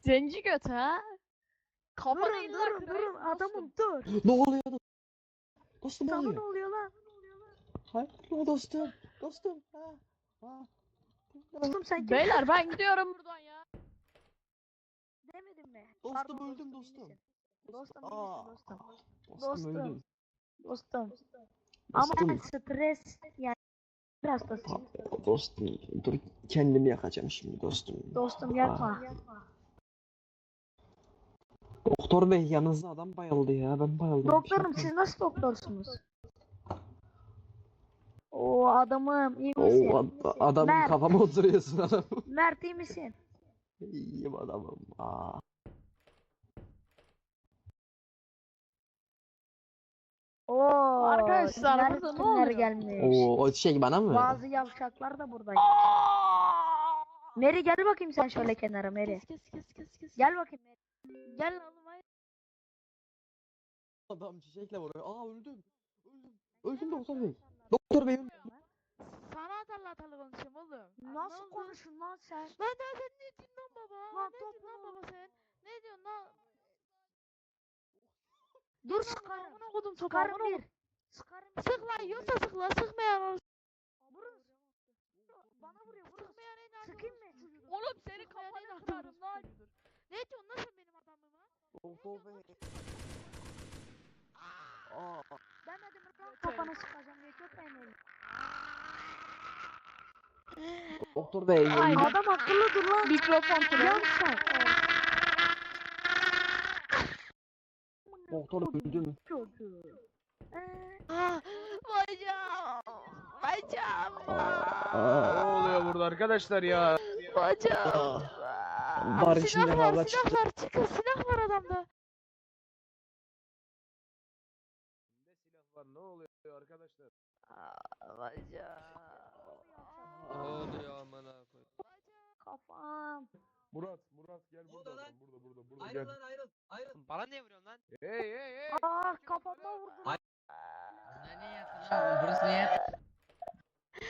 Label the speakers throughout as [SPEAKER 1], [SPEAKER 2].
[SPEAKER 1] Zenci göt ha? Kafanı
[SPEAKER 2] Durun
[SPEAKER 1] illa
[SPEAKER 2] durun
[SPEAKER 1] kırayım
[SPEAKER 2] durun adamım
[SPEAKER 1] dostum.
[SPEAKER 2] dur.
[SPEAKER 3] Ne oluyor dostum? Dostum ne
[SPEAKER 2] Sana ne
[SPEAKER 3] oluyor?
[SPEAKER 2] oluyor lan?
[SPEAKER 3] Hayır dostum. Dostum. Ha.
[SPEAKER 2] Dostum sen kimsin?
[SPEAKER 1] Beyler ben gidiyorum buradan ya.
[SPEAKER 2] Demedim mi?
[SPEAKER 3] Dostum
[SPEAKER 2] Pardon,
[SPEAKER 3] öldüm
[SPEAKER 2] iyi
[SPEAKER 3] dostum.
[SPEAKER 2] misin? Dostum iyi
[SPEAKER 3] Aa.
[SPEAKER 2] misin dostum?
[SPEAKER 3] Dostum öldüm.
[SPEAKER 2] Dostum. Ama
[SPEAKER 3] Dostum.
[SPEAKER 2] stres yani hastasıyım.
[SPEAKER 3] Dostum dur kendimi yakacağım şimdi dostum.
[SPEAKER 2] Dostum yapma.
[SPEAKER 3] Doktor bey yanınızda adam bayıldı ya ben bayıldım.
[SPEAKER 2] Doktorum siz nasıl doktorsunuz? O adamım iyi
[SPEAKER 3] O
[SPEAKER 2] misin?
[SPEAKER 3] adamın
[SPEAKER 2] Mert.
[SPEAKER 3] kafama oturuyorsun adam.
[SPEAKER 2] Mert iyi misin?
[SPEAKER 3] İyiyim adamım. Aa.
[SPEAKER 2] Oo,
[SPEAKER 1] Arkadaşlar,
[SPEAKER 2] kimler
[SPEAKER 1] burada ne
[SPEAKER 2] kimler
[SPEAKER 1] oluyor?
[SPEAKER 2] gelmiş.
[SPEAKER 3] O şey bana mı?
[SPEAKER 2] Bazı yavşaklar da buradaymış.
[SPEAKER 1] Aa!
[SPEAKER 2] Meri gel bakayım sen şöyle kenara Meri.
[SPEAKER 1] Kes.
[SPEAKER 2] Gel bakayım Meri.
[SPEAKER 1] Gel oğlum hayır.
[SPEAKER 3] Adam çiçekle vuruyor. Aa öldüm. Öldüm doktor bey. Doktor bey öldüm.
[SPEAKER 1] Sana atarlı konuşayım oğlum.
[SPEAKER 2] Nasıl
[SPEAKER 1] Ne oldu?
[SPEAKER 2] konuşun lan sen?
[SPEAKER 1] Lan sen ne diyorsun lan baba?
[SPEAKER 2] Lan
[SPEAKER 1] Ne diyorsun lan baba sen? Ne diyorsun lan?
[SPEAKER 2] Dur sıkarım.
[SPEAKER 1] Amına kodum
[SPEAKER 2] Sıkarım
[SPEAKER 1] sokağımına
[SPEAKER 2] bir. Sıkarım bir.
[SPEAKER 1] Sık lan yiyorsa sık lan sıkmayan olsun.
[SPEAKER 2] Vurun. Bana vuruyor vurun.
[SPEAKER 1] Sıkmayan en az
[SPEAKER 2] Sıkayım mı?
[SPEAKER 1] Oğlum seni kafana kırarım lan. Ne diyorsun lan sen benim adamıma?
[SPEAKER 3] Doktor bey. Aa.
[SPEAKER 2] Demedim mi lan kafana sıkacağım diye köpeğim öyle.
[SPEAKER 3] Doktor bey.
[SPEAKER 1] Aynen.
[SPEAKER 2] Adam akıllı dur lan.
[SPEAKER 1] Mikrofon kırıyor.
[SPEAKER 2] Yavşak.
[SPEAKER 3] Doktor öldüm.
[SPEAKER 2] Çocuğu.
[SPEAKER 1] Bacağım. Bacağım.
[SPEAKER 4] Ne oluyor burada arkadaşlar ya?
[SPEAKER 1] Bacağım.
[SPEAKER 3] Var içinde
[SPEAKER 1] Silah
[SPEAKER 3] kavga
[SPEAKER 1] var,
[SPEAKER 3] çıktı.
[SPEAKER 1] silah var. Çıkın, silah var adamda.
[SPEAKER 4] Kimde silah var? Ne oluyor arkadaşlar?
[SPEAKER 1] Bacağım.
[SPEAKER 4] Ne oluyor amına koy?
[SPEAKER 2] Kafam.
[SPEAKER 4] Murat gel
[SPEAKER 5] Ne
[SPEAKER 4] burada.
[SPEAKER 5] oldu lan?
[SPEAKER 4] Burada
[SPEAKER 5] Ayrıl
[SPEAKER 4] gel.
[SPEAKER 5] lan ayrıl.
[SPEAKER 6] Bana niye vuruyorsun lan?
[SPEAKER 4] Hey.
[SPEAKER 2] Ah kafama vurdu.
[SPEAKER 5] Ay-
[SPEAKER 6] Burası niye?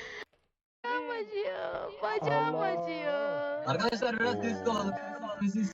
[SPEAKER 1] Bacağım acıyor. Bacağım
[SPEAKER 4] Allah.
[SPEAKER 1] acıyor.
[SPEAKER 5] Arkadaşlar biraz sessiz olalım. Sessiz.